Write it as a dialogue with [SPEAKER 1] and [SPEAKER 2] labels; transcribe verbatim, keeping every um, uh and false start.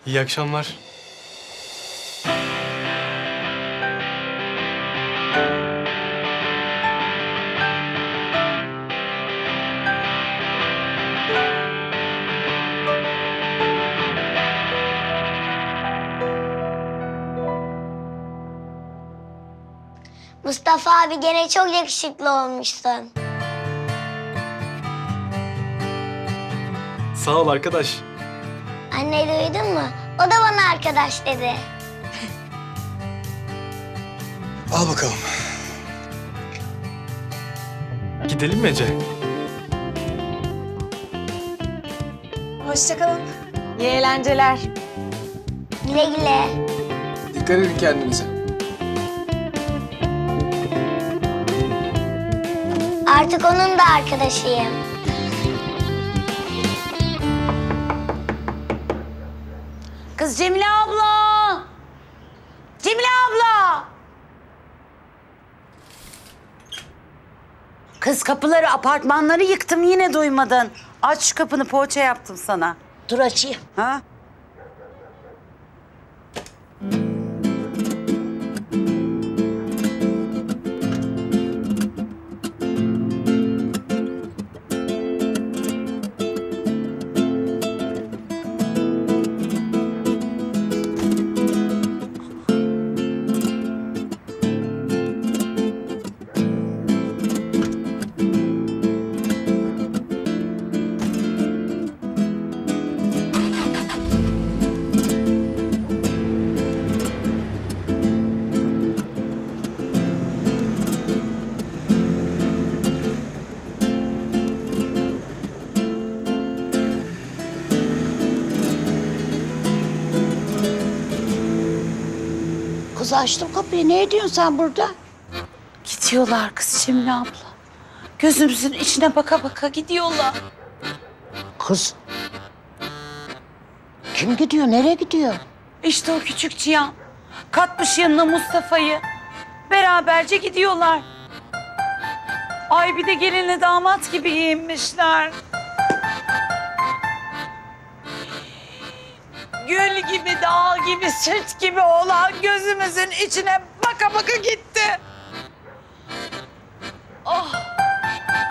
[SPEAKER 1] İyi akşamlar.
[SPEAKER 2] Mustafa abi gene çok yakışıklı olmuşsun.
[SPEAKER 1] Sağ ol arkadaş.
[SPEAKER 2] Anne duydun mu? O da bana arkadaş dedi.
[SPEAKER 1] Al bakalım. Gidelim mi Ece?
[SPEAKER 3] Hoşça kalın. İyi eğlenceler.
[SPEAKER 2] Güle güle.
[SPEAKER 1] Dikkat edin kendinize.
[SPEAKER 2] Artık onun da arkadaşıyım.
[SPEAKER 4] Kız Cemile abla! Cemile abla! Kız kapıları, apartmanları yıktım yine duymadın. Aç şu kapını, poğaça yaptım sana.
[SPEAKER 5] Dur açayım.
[SPEAKER 4] Ha?
[SPEAKER 5] Kız açtım kapıyı. Ne ediyorsun sen burada?
[SPEAKER 4] Gidiyorlar kız Cemile abla. Gözümüzün içine baka baka gidiyorlar.
[SPEAKER 5] Kız. Kim gidiyor? Nereye gidiyor?
[SPEAKER 4] İşte o küçük Cihan. Katmış yanına Mustafa'yı. Beraberce gidiyorlar. Ay bir de gelinle damat gibi giyinmişler. Gül gibi, dağ gibi, süt gibi olan gözümüzün içine baka baka gitti.